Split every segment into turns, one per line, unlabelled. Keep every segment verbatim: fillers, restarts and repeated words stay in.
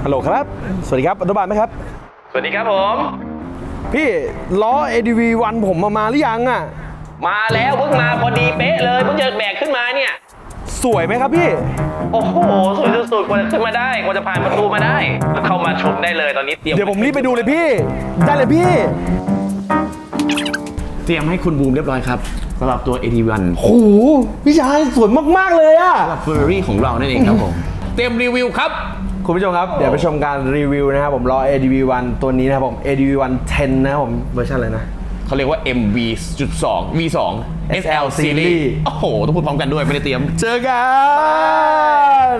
ฮัลโหลครับสวัสดีครับอนุบาลไหมครับ
สวัสดีครับผม
พี่ล้อ เอ ดี วี วัน ผมมามาหรือยังอ่ะ
มาแล้วเพิ่งมาพอดีเป๊ะเลยเพิ่งจะแบกขึ้นมาเนี่ย
สวยไหมครับพี่
โอ้โหสวยสุดๆกว่าจะขึ้นมาได้กว่าจะผ่านประตูมาได้เข้ามาชมได้เลยตอนนี้เตรียม
เดี๋ยวผมรีบไปดูเลยพี่ได้เลยพี่
เตรียมให้คุณบูมเรียบร้อยครับสำหรับตัว เอ ดี วัน
โหพี่ชายสวยมากๆเลยอะ
สำหรับเฟอร์รารี่ของเรานั่นเองครับผมเตรียมรีวิวครับ
คุณผู้ชมครับเดี๋ยวไปชมการรีวิวนะครับผมล้อ เอ ดี วี วัน ตัวนี้นะครับผม เอ ดี วี วัน สิบ นะครับผมเวอร์ชันอะไรนะ
เขาเรียกว่า เอ็ม วี จุด สอง วี สอง เอส แอล Series โอ้โหต้องพูดพร้อมกันด้วยไม่ได้เตรียม
เจอกัน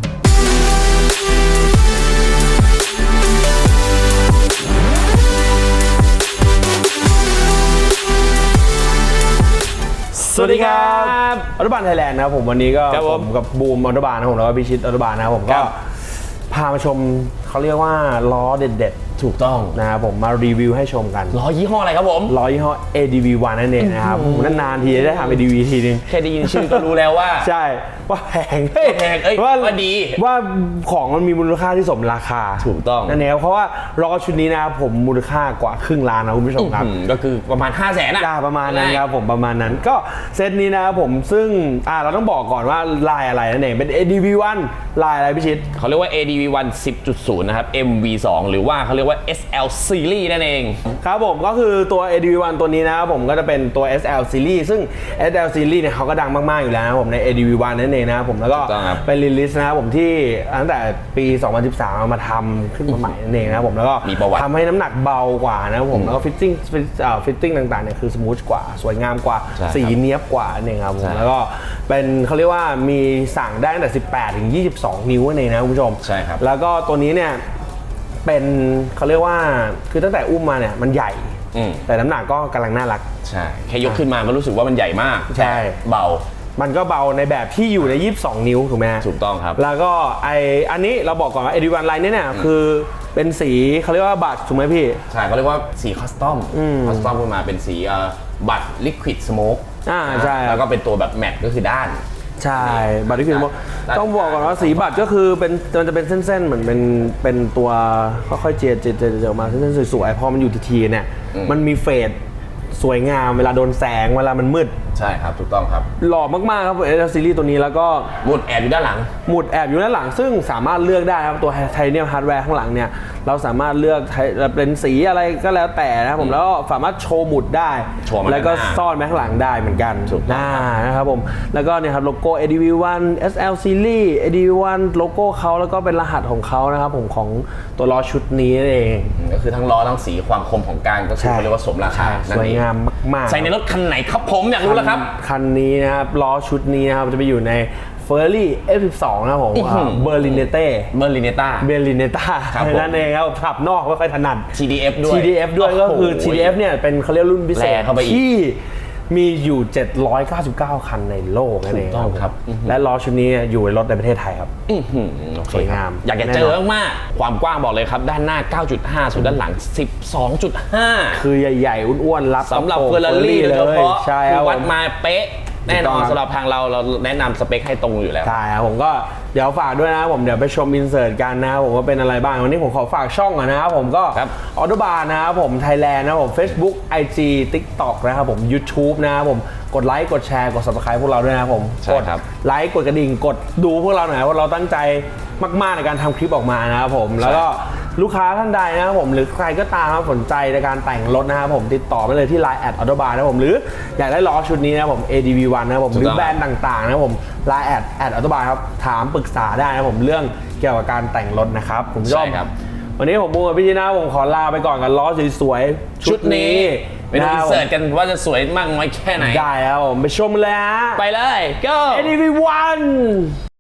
สวัสดีครับอนุบาลไทยแลนด์นะครับผมวันนี้ก็ผมกับบูมอนุบาลนะผมแล้วก็พิชิตอนุบาลนะครับผมก็พามาชมเขาเรียกว่าล้อเด็ดๆถูกต้องนะครับผมมารีวิวให้ชมกัน
ล้อยี่ห้ออะไรครับผม
ล้อยี่ห้อ เอ ดี วี วัน นั่นเองนะครับผมนานๆทีได้ทำ เอ ดี วี ทีนึง
แค่ได้ยินชื่อก็รู้แล้วว่า
ใช่ว่าแพง
แพงเอ้ยว่าดี
ว่าของมันมีมูลค่าที่สมราคา
ถูกต้อง
นั่นเองเพราะว่าล้อชุดนี้นะครับผมมูลค่ากว่าครึ่งล้านนะคุณผู้ชมครับ
ก็คือประมาณ ห้าแสน
นะประมาณนั้นครับผมประมาณนั้นก็เซตนี้นะครับผมซึ่งอ่าเราต้องบอกก่อนว่าลายอะไรนั่นเองเป็น เอ ดี วี วัน ลายอะไรพี่ชิด
เขาเรียกว่า เอ ดี วี วัน สิบ จุด ศูนย์ นะครับ เอ็ม วี สอง หรือว่าเขาเรียกว่า เอส แอล Series นั่นเอง
ครับผมก็คือตัว เอ ดี วี วัน ตัวนี้นะครับผมก็จะเป็นตัว เอส แอล Series ซึ่ง เอส แอล Series เนี่ยเขาก็ดังมากๆอยู่แล้วนะผมใน เอ ดี วี วัน นั่นเองนะครับผมแล้วก็เป็นรีลิสนะครับผมที่ตั้งแต่ปี สองพันสิบสามเอามาทำขึ้นมาใหม่นั่นเองนะครับผมแล้วก็ทำให้น้ำหนักเบากว่านะครับผมแล้วก็ฟิตติ้งฟิตติ้งต่างๆเนี่ยคือสมูทกว่าสวยงามกว่าสีเนียบกว่านั่นเองครับผมแล้วก็เป็นเขาเรียกว่ามีสั่งได้ตั้งแต่สิบแปดถึงยี่สิบสองนิ้วนั่นเองนะคุณผู้ชม
ใช่ครับ
แล้วก็ตัวนี้เนี่ยเป็นเขาเรียกว่าคือตั้งแต่อุ้มมาเนี่ยมันใหญ่แต่น้ำหนักก็กำลังน่ารัก
ใช่แค่ยกขึ้นมาก็รู้สึกว่ามันใหญ่มาก
ใช่
เบา
มันก็เบาในแบบที่อยู่ในยี่สิบสองนิ้วถูกไหม
ถูกต้องครับ
แล้วก็ไออันนี้เราบอกก่อนว่า เอ ดี วัน ไลน์นี้เนี่ยคือเป็นสีเขาเรียกว่าบัตรถูกไหมพี่
ใช่เขาเรียกว่าสีคัสตอมคัสตอมขึ้นมาเป็นสีบัตรลิควิดสโมก
อ่าใช่
แล้วก็เป็นตัวแบบแมตก็คือด้าน
ใช่บัตรลิควิดสโมกต้องบอกก่อนว่าสีบัตรก็คือเป็นมันจะเป็นเส้นๆเหมือนเป็นเป็นตัวค่อยๆเจียดเจียดเจียดออกมาเส้นๆสวยๆพอมันอยู่ทีๆเนี่ยมันมีเฟดสวยงามเวลาโดนแสงเวลามันมืด
ใช่ครับถูกต้องครับ
หล่อมากๆครับเอส แอล ซีรีส์ตัวนี้แล้วก็
หมุดแอบอยู่ด้านหลัง
หมุดแอบอยู่ด้านหลังซึ่งสามารถเลือกได้ครับตัวไทเทเนียมฮาร์ดแวร์ข้างหลังเนี่ยเราสามารถเลือกเป็นสีอะไรก็แล้วแต่นะครับผมแล้วก็สามารถโชว์หมุดได้แล้วก็ซ่อนไว้ข้างหลังได้เหมือนกัน
ถูกต้
องนะครับผมแล้วก็เนี่ยครับโลโก้ เอ ดี วี วัน เอส แอล Series เอ ดี วี วัน โลโก้เขาแล้วก็เป็นรหัสของเขานะครับผมของตัวล้อชุดนี้เอง
ก็คือทั้งล้อทั้งสีความคมของการก็คือเรียกว่าสมราคา
สวยงามมากๆ
ใส่ในรถคันไหนครับผมอยากรู้แล้วครับ
คันนี้นะครับล้อชุดนี้นะครับจะไปอยู่ใน Ferrari เอฟ สิบสอง นะครับผมเบอร์ลินเนเต้
เบอร์ลินเนต้า
เบอร์ลินเนต้านั่นเองครับขับนอกไม่ค่อยถนัด
ที ดี เอฟ ด้วย
ที ดี เอฟ ด้วยก็คือ ที ดี เอฟ เนี่ยเป็นเขาเรียกรุ่นพิเศษที่มีอยู่เจ็ดร้อยเก้าสิบเก้าคันในโลกนั่นเอง
ครับ
และล้อชุดนี้อยู่ในรถในประเทศไทยครับสวยงาม
อยากจะเจอมากความกว้างบอกเลยครับด้านหน้า เก้าจุดห้า ส่วนด้านหลัง สิบสองจุดห้า
คือใหญ่ๆอ้วนๆรับ
สำหรับเฟอร์รารี่โดยเฉพาะวัดมาเป๊ะแน่นอนสำหรับทางเราเราแนะนำสเปคให้ตรงอยู่แล้ว
ใช่ครับผมก็เดี๋ยวฝากด้วยนะครับผมเดี๋ยวไปชมอินเสิร์ตกันนะครับผมว่าเป็นอะไรบ้างวันนี้ผมขอฝากช่องก่อนนะครับผมก็ออโตบาร์นะครับผมไทยแลนด์นะครับผม Facebook ไอ จี TikTok นะครับผม YouTube นะครับผมกดไลค์กดแชร์กด Subscribe พวกเราด้วยนะครับผม
กด
ไลค์กดกระดิ่งกดดูพวกเราหน่อยว่าเราตั้งใจมากๆในการทำคลิปออกมานะครับผมแล้วก็ลูกค้าท่านใดนะครับผมหรือใครก็ตามสนใจในการแต่งรถนะครับผมติดต่อไปเลยที่ ไลน์ แอท ออโตบาร์นะครับผมหรืออยากได้ล้อชุดนี้นะครับผม เอ ดี วี วัน นะครับผมหรือแบรนด์ต่างๆนะครับผม ไลน์ แอท แอท ออโตบาร์ครับถามปรึกษาได้นะครับผมเรื่องเกี่ยวกับการแต่งรถนะครับผมชอบวันนี้ผมบูมกับพี่จีน่าผมขอลาไปก่อนกับล้อสวยๆชุดนี้
ไปดูอินเสิร์ตกันว่าจะสวยมากน้อยแค่ไหน
ได้ครับผมไปชมเลยฮะ
ไปเลย go
เอ ดี วี วัน